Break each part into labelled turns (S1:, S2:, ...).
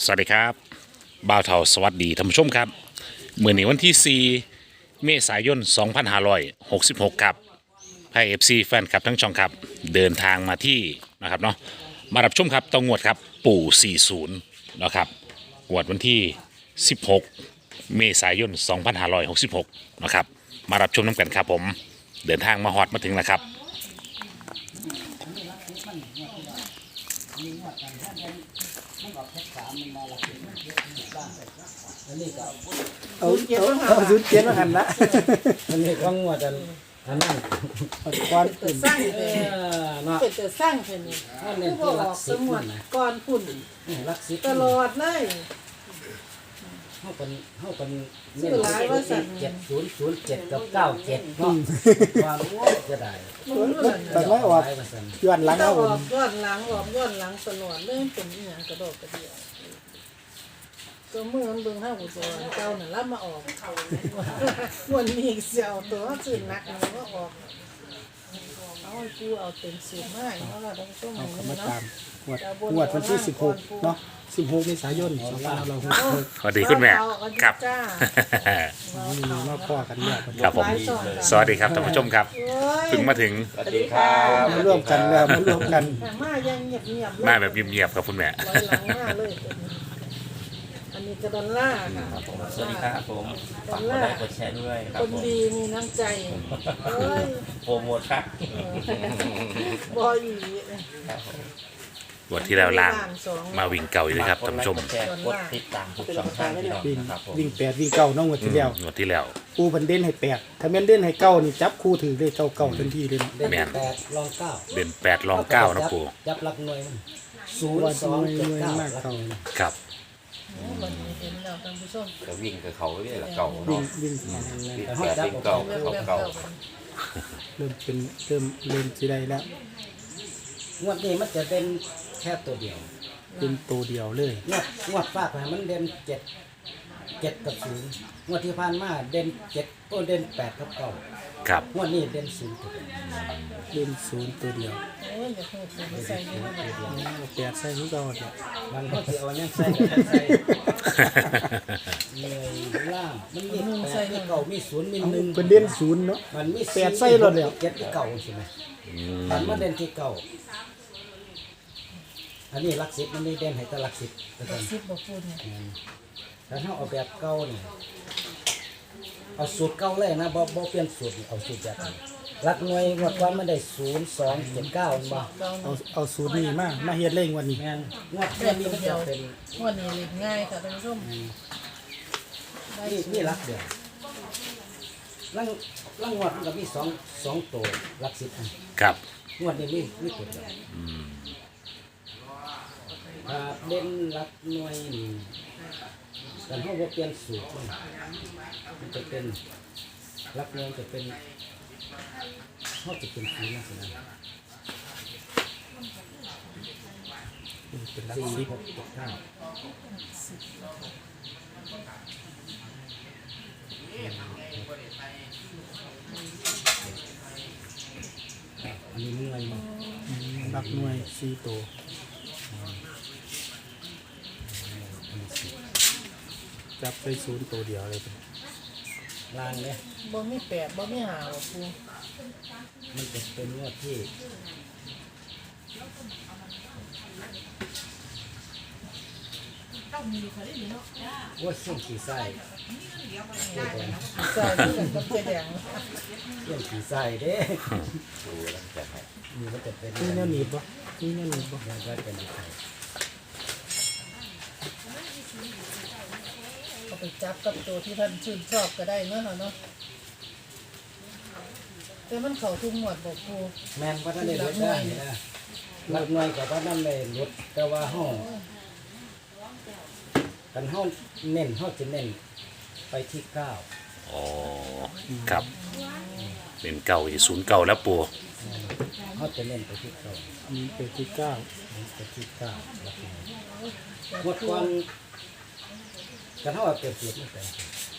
S1: สวัสดีครับบ่าวเทาสวัสดีท่านผู้ชมครับเมื่อนี้วันที่ 4 เมษายน 2566 ครับไพ่เอฟซีแฟนคลับทั้งช่องครับเดินทางมาที่นะครับเนาะมารับชมครับต้องงวดครับปู่ 40 นะครับงวดวันที่ 16 เมษายน 2566 นะครับมารับชมน้ำกันครับผมเดินทางมาฮอดมาถึงแล้วครับ
S2: เอาศูนย์เจ็ดมาหันละ
S3: มันนี่ก็งวดอันนั้น
S2: ก้อนอื่น
S4: สร้าง
S3: เนาะ
S4: เป็นแต่สร้างเพิ่นนี่
S3: มันเน้น
S4: ผู้
S3: ที่
S4: บ
S3: หลั
S4: อก ก
S3: สิ
S4: ส
S3: บ
S4: มว
S3: นั่
S4: ด
S3: นนะ
S4: ก่อนพุ่น
S3: หลักสิบ
S4: ตลอดเลย
S3: เฮาเป็น
S4: ชื่อหลายว่าสั่น
S3: 7007กับ97เนาะว่าโอ้จะได้
S4: มันรู้แล้ว
S2: แต่ไม่ออกย้อนหลัง
S4: ถ้า
S2: เอา
S4: ออกย้อนหลังตลอดเลยเป็นอีหยังกระโดดกระเดี่ยวตัวมือมันเบิ่งห้าหูตัวเจ้าน่ะรับมาออกวันนี้เสียวตัวสื่อนักมันก็ออกเอาให้กูเอาเต็มสูตรมาให้เนาะล่ะต้องต้ม
S2: เอา
S4: ให้
S2: เข้า
S4: มั
S2: มาน
S4: เนาะ
S2: ตามงวดวันที่16เนาะ16เมษายน2566
S1: สวัสดีคุณแม่ครับ
S4: จ้า
S2: มีมาพ่อกันเนี่ย
S1: ครับผมสวัสดีครับท่านผู้ชมครับเพิ่งมาถึง
S4: สวัสดีครับ
S2: มาร่วมกันแล้วมาร่วมกัน
S4: มายังเงียบๆ
S1: มาแบบเงียบๆครับคุณแม่
S4: ร้อยหลังมาเลยอันนี้กระดอนล่าค่ะ
S5: สวัสดีครับผมฝากกดไลค์กดแชร์ด้วยครั
S4: ค
S5: บ
S4: น
S5: ผม
S4: ดีมีน้ำใจเอ้ย
S5: โปรโมทครับ
S4: บอยอี
S5: ครับผม
S1: วันที่แล้วล่างมาวิ่งเก่าอยู่เลยครับท่านผู้ชม
S5: ฝกกดไลค์กดแชร์กดติดตามทุกช่องทางที่เรา
S2: วิ่ง
S5: นะครับผม
S2: วิ่ง8วิ่ง9น้องงวดที่แล้ว
S1: งวดที่แล้ว
S2: ปูเพิ่นเด่นให้8ถ้าแม่นเด่นให้9นี่จับคู่ถือเลยเก้าทันทีเลย
S3: เด่น
S1: แม่น
S3: 8รอง9
S1: เด่น8รอง9นะปู่
S3: จับหลักหน่วยมัน
S2: ว่าจะหน่วย
S3: 0279
S2: มากเก่า
S1: ครับ
S4: วันนี้เห็นแล้วท่านผู้ชม
S5: ก็วิ่งกับเขาเรื่อยละเก่า
S2: วิ่
S5: เนาะ
S2: งวิ่ง
S5: วิ่งแปดวิ่งเก่า
S4: เริ่ม
S5: เขา
S4: เริ่ม
S5: เก่า
S2: เริ่มเป็นเริ่มสิได้แล้ว
S3: งวดนี้มันจะเด่นแค่ตัวเดียว
S2: เป็นตัวเดียวเลย
S3: งวดฝากไปมันเด่น7กับ0งวดที่ผ่านมาเด่น7ตัวเด่น8กับ9
S1: ครับ
S3: งวดนี้เด่น0ตัวเดียว
S2: เล่น0ตัวเดียว
S4: โอ้ยอย่าพูดอย่าไปใส่เยอะเลย
S2: 8ใส่คือเก่าเนี่ย
S3: มันก็สิเอายังใส่ก็ใส่เหนื่อยล่างมันมี8มี9มี0มี1
S2: เพิ่นเด่น0เนาะ
S3: มันมี
S2: แปดใส่รถแล้ว
S3: 7ที่เก่าใช่ไหมมันมาเด่นที่เก่าอันนี้หลัก10มันนี่เด่นให้แต่หลัก10แล้วกัน
S4: ซิบบอกพูดเนี่ย
S3: ถ้าเอาแบบเก่านี่เอาสูตรเก่าเลยนะบ่เปลี่ยนสูตรเอาสูตรแบบนี้หลักหน่วยงวดก่อนมันได้0 2 7 9บ่
S4: เจ้า
S2: เอาสูตรนี้มาเฮ็ดเล่งวันนี้
S3: แม่นงวดแค่นี้มันจะเป็น
S4: วันนี้เล็กง่ายค่ะท่านผู้ชมได้
S3: นี่หลักเดียวลังงวดมันก็มี2ตัวหลัก10อัน
S1: ครับ
S3: งวดนี้มีตัวเดียวเด่นหลักหน่วยนี่กันเขาบ่เปลี่ยนสูตรมันจะเป็นหลักหน่วยจะเป็นเขาจะเป็นสีนะสินะ
S2: เป็นหลัก
S3: สี่
S2: 10
S3: หกเจ็ดเก้าอันนี้เมื่อยมั้ง
S2: หลักหน่วย4ตัวจับไป0ตัวเดียวเลย
S3: ลางเนี่ย
S4: บ่มีแปดบ่มีหาบอกพูด
S3: มันจะเป็นงวดที่ว่าเส้นขี่ไส้
S4: ใส่ที่กันกับเจ๊แดง
S3: เส้นขี่ไส้เด้
S5: ดูแล้วจะให้
S3: นี่มันจะเป็น
S2: นี่แนวหนีบบ่นี่แนวหนีบบ่
S3: มันก็เป็นไข่
S4: ก็ไปจับกับตัวที่ท่านชื่นชอบก็ได้เนาะเนาะแต่มันเข้าทุกหมวดบอกพูด
S3: แมนว่าท่านได้ลดได้นะหลักหน่วยกับว่าท่านได้ลดแต่ว่าห้องกันห้องเน้นห้องจะเน้นไปที่เก้า
S1: อ๋อครับเป็นเก่าที่09แล้วปู่
S3: ห้องจะเน้นไปที่เก้า
S2: มีเป็นที่9
S3: ไปที่เก้าหลักหน่วยงวดก่อนกันห้องเปรียบเทียบไม่เป็น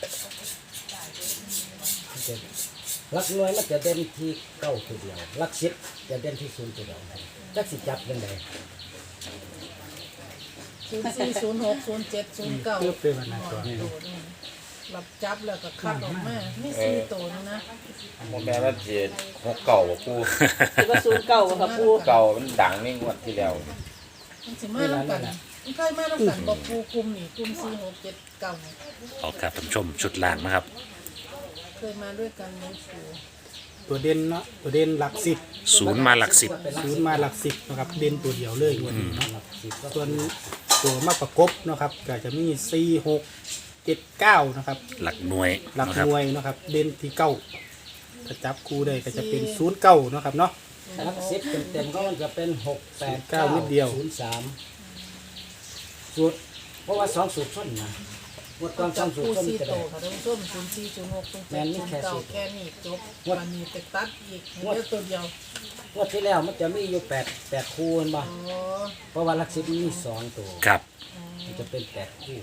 S3: มันจะหลักหน่วยมันจะเด่นที่เก้าตัวเดียวหลัก10จะเด่นที่0ตัวเดียวจักสิจับยังไง
S4: 04 06 07 09
S2: เพื่อเป็นวันนั้นตัว
S4: โดดนี่รับจับแล้วก็คัดออกมาไม่4ตัวนะ
S5: โมแม่ว่าเจ็ดหกเก่าปู
S6: คือว่าศูนย์เก่ากับปู
S5: เก่ามันดังในงวดที่แล้ว
S4: มันสิมานํกันมันเคยมานํกันบ่ปูกลุ่มนี่กลุ่ม4 6 7 9นี่
S1: เอาครับท่านผู้ชมชุดล่างนะครับ
S4: เคยมาด้วยกันในสู
S2: ตัวเด่นเนาะตัวเด่นหลักสิบ
S1: ศูนย์มาหลักสิบ
S2: ศูนย์มาหลักสิบนะครับเด่นตัวเดียวเลยวันนี้เนาะ
S3: หลักสิบก็
S2: ส่วนตัวมาประกบนะครับก็จะมี4 6 7 9นะครับ
S1: หลักหน่วย
S2: หลัก
S1: นะค
S2: ห
S1: รับ
S2: น่วยนะครับเด่นที่เก้าถ้าจับคู่ได้ก็จะเป็น0 9นะครับเนาะ
S3: หลักสิบเต็มๆก็มันจะเป็น6 8
S2: 9นิดเดียว
S3: 0 3สูตรเพราะว่า2สูตรส้นนะงวดก่อน
S4: จับ
S3: 2สูต
S4: คู่
S3: รส้น
S4: 4
S3: จะ
S4: ตั
S3: ได้
S4: วค่ะท่านผู้ชม04 06 07 09แค่นี้จบวันนี้ไปตัดอีกเหลือตัวเดียว
S3: งวดที่แล้วมันจะมีอยู่8คู่เห็นบ่
S4: อ๋อ
S3: เพราะว่าหลักสิบมันมี2ตัว
S1: ครับ
S3: มันจะเป็น8คู่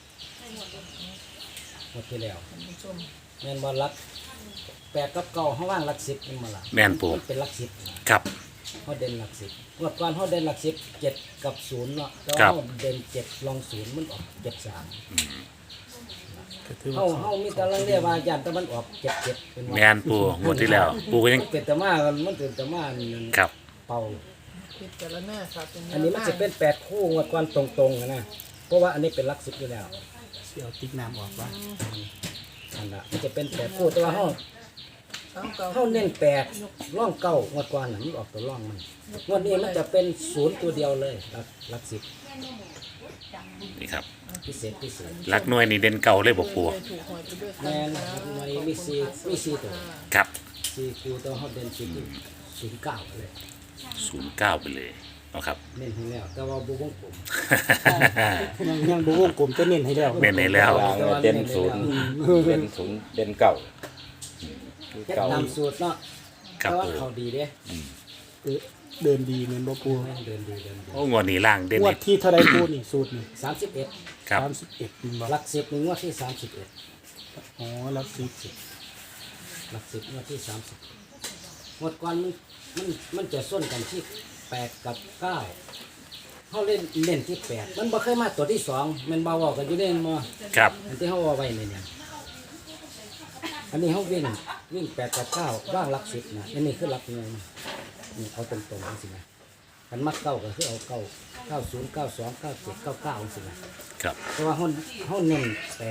S3: งวดที่แล้ว
S4: ท่านผู้ชม
S3: แม่นบ่หลัก8กับ9เฮาว่างหลัก10มันมาล่ะ
S1: แม่นปู
S3: มันเป็นหลัก10นะครับ เฮาเด่นหลัก10งวดก่อนเฮาเด่นหลัก10 7กับ0เนาะแต่
S1: ครั
S3: ว่า
S1: บ
S3: เฮาเด่น7ลอง0มันออก73
S2: ก็ถือว่า
S3: เฮามีแต่ลังเรียกว่าย่านตะวันออก77เป็นว่า
S1: แม่นปูงวดที่แล้ว ปูก็ยัง
S3: มันเป็นตะมากันมันเป็นตะมานี่
S1: ครับ
S3: เป่า
S4: พิจารณาค่ะเป็นแว
S3: อันนี้มันจะเป็น8คู่งวดก่อนตรงๆนะเพราะว่าอันนี้เป็นหลัก10อยู่แล้ว
S2: เสียวติ๊กน้ำออกว่า
S3: อันน่ะมันจะเป็น8คู่แต่ว่าเฮา
S4: สามเก้า
S3: เฮาเน้น8ร่อง9งวดก่อนน่ะมันออกตัวร่องมันงวดนี้มันจะเป็น0ตัวเดียวเลยหลัก10
S1: นี่ครับ
S3: พิเศษ
S1: หลักหน่วยนี่เด่นเก่าเลยบอกปู
S4: ถูกหวยไปด้วยกั
S3: แม่น
S4: ค่ะ
S3: ครับหน่วยมี4ตัว
S1: ครับ
S3: 4คู่แต่ว่าเฮาเด่น09เลย
S1: 09ไปเลยนะครับ
S3: เน้นให้แล้วแต่ว่าบ่วงกลม
S2: ยังดูวงกลมจะเน้นให้แล้ว
S1: เน้นให้แล้ว
S5: วางไว้เด่นศูนย์เด่นศูนย์เด่นเก่า
S3: เฮ็ด
S5: เก่า
S3: ตามสูตรเนาะ
S1: ครับ
S3: แต่ว่า
S1: ปู
S3: เขาดีเด้
S2: เดินดีเหมือนบ่ปู
S3: เดินดี
S1: โอ้งวดนี้ล่างเด่น
S2: งวด
S1: อีก
S2: ที่เท่าไรปูนี่สูตรนี่
S3: 31
S1: ครับ
S2: 31นี่บ่
S3: หลัก10นี่งวดที่31
S2: อ๋อหลักสิบ
S3: หลัก10งวดที่30งวดก่อนมันจะส้นกันที่8กับ9เฮาเล่นที่8มันบ่เคยมาตัวที่2มันบ่เว้ากันอยู่เด้บ่
S1: ครับ
S3: อันที่เฮาว่าไว้เนี่ยอันนี้เฮาวิ่ง8กับ9ว่างหลัก10นะอันนี้คือหลักหน่วยนี่เอาตรงๆจังซี่นะคันมักเก้าก็คือเอา9 90 92 97 99จังซี่นะครับ เพราะว่าเฮาเน้น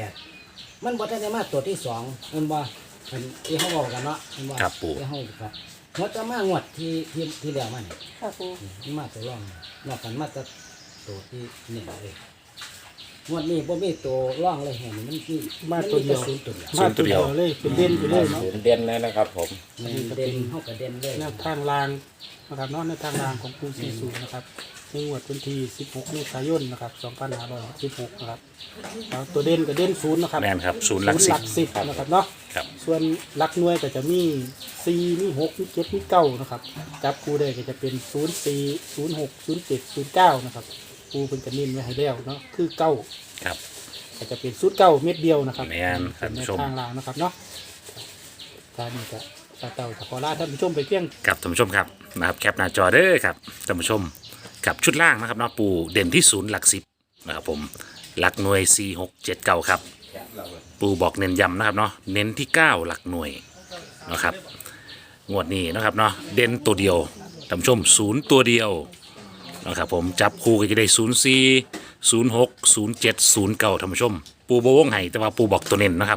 S3: 8มันบ่ทันได้มาตัวที่2มันบ่อันที่เฮาเว้ากันเนาะมันบ่
S1: ครับปู่
S3: ที่เฮาครับงวดจะมางวดที่แล้วมานี่
S6: ค่ะปู
S3: มันมาตัวรองนอกกันมาแต่ตัวที่เน้นเลยงวดนี้บ่มีตัวร่องเลยแห่นี่มันคือ
S2: มาตัวเดียว
S3: ศูนย์ตัวเดียว
S2: มาตัวเดียวเลยเป็นเด่นไปเลยเนาะ
S5: ศูนย์เด่นเลยนะครับผม
S3: แม่นเด่นเฮาก็เด่นเลย
S2: แนวทางรางนะครับเนาะในทางรางของปู40นะครับในงวดวันที่16เมษายนนะครับ2566นะครับแล้วตัวเด่นก็เด่นศูนย์นะครับ
S1: แม่นครับศูนย์หลัก
S2: ศูนย์
S1: สิบ
S2: หลัก10นะครับเนาะ
S1: ครับ
S2: ส่วนหลักหน่วยก็จะมี4มี6มี7มี9นะครับจับคู่ได้ก็จะเป็น04 06 07 09นะครับปูเพิ่นจะเน้นไว้ให้แล้วเนาะคือ9
S1: ครับ
S2: ก็จะเป็น09เม็ดเดียวนะครับ
S1: แม่นท่าน
S2: ใน
S1: ผู้ชม
S2: ทางรางนะครับเนาะท่านนี้ก็เต่าขอลาท่านผู้ชมไปเพียง
S1: ครับท่านผู้ชมครับนะครับแคปหน้าจอเด้อครับท่านผู้ชมกับชุดล่างนะครับเนาะปูเด่นที่ศูนย์หลักสิบนะครับผมหลักหน่วย4 6 7 9ครับปูบอกเน้นย้ำนะครับเนาะเน้นที่ 9 หลักหน่วยนะครับงวดนี้นะครับเนาะเด่นตัวเดียวท่านผู้ชมศูนย์ตัวเดียวนะครับผมจับคู่ก็จะได้04 06 07 09ท่านผู้ชม ปูบวงไห้แต่ว่าปูบอกตัวเน้นนะครับ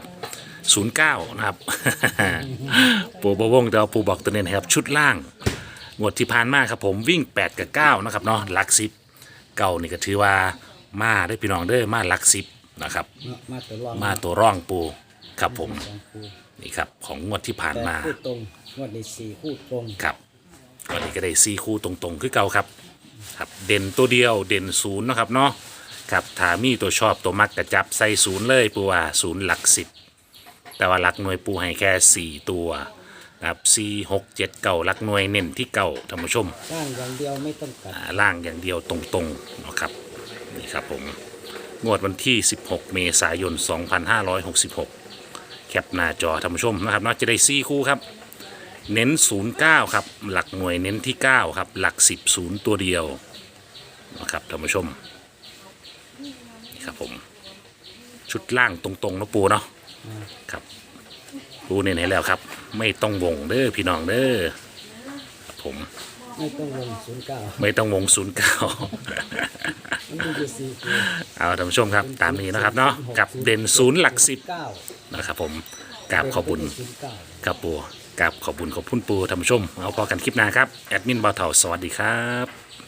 S1: 09นะครับ ปูบวงแต่ว่าปูบอกตัวเน้นให้ครับชุดล่าง งวดที่ผ่านมาครับผมวิ่ง 8 กับ 9 นะครับเนาะหลักสิบเก่านี่ก็ถือว่ามาได้พี่น้องเด้อมาหลักสิบนะครับ
S3: มาตัวร่อง
S1: มาตัวร่องปูครับผม
S3: สองคู่
S1: นี่ครับของงวดที่ผ่าน
S3: แต่
S1: มา
S3: คู่ตรงงวดนี้4คู่ตรง
S1: ครับวันนี้ก็ได้4คู่ตรงๆคือเก่าครับครับเด่นตัวเดียวเด่นศูนย์นะครับเนาะครับถ้ามีตัวชอบตัวมักกระจับใส่ศูนย์เลยปูว่าศูนย์หลักสิบแต่ว่าหลักหน่วยปูให้แค่4ตัวนะครับ4 6 7 9หลักหน่วยเน้นที่เก่าท่านผู้ชม
S3: สร้างอย่างเดียวไม่ต้องกัด
S1: ล่างอย่างเดียวตรงๆนะครับนี่ครับผมงวดวันที่ 16 เมษายน 2566 แคปหน้าจอท่านผู้ชมนะครับเนาะจะได้4คู่ครับเน้น 09 ครับหลักหน่วยเน้นที่ 9 ครับหลัก 10 0 ตัวเดียวนะครับท่านผู้ชมครับผมชุดล่างตรงๆเนาะปูเนาะครับปูเน้นให้แล้วครับ ไม่ต้องวงเด้อพี่น้องเด้อครับผม
S3: ไม่ต้องวง09
S1: ไม่ต้องวง
S3: มันมีอยู่4ตัว
S1: เอาท่านผู้ชมครับตามนี้นะครับเนาะกับเด่น0หลัก10
S3: 9
S1: นะครับผมกราบขอบคุณ
S3: 09
S1: กับปูกับขอบคุณขอบคุณปูท่านผู้ชมเอาพอกันคลิปหน้าครับแอดมินบ่าวเฒ่าสวัสดีครับ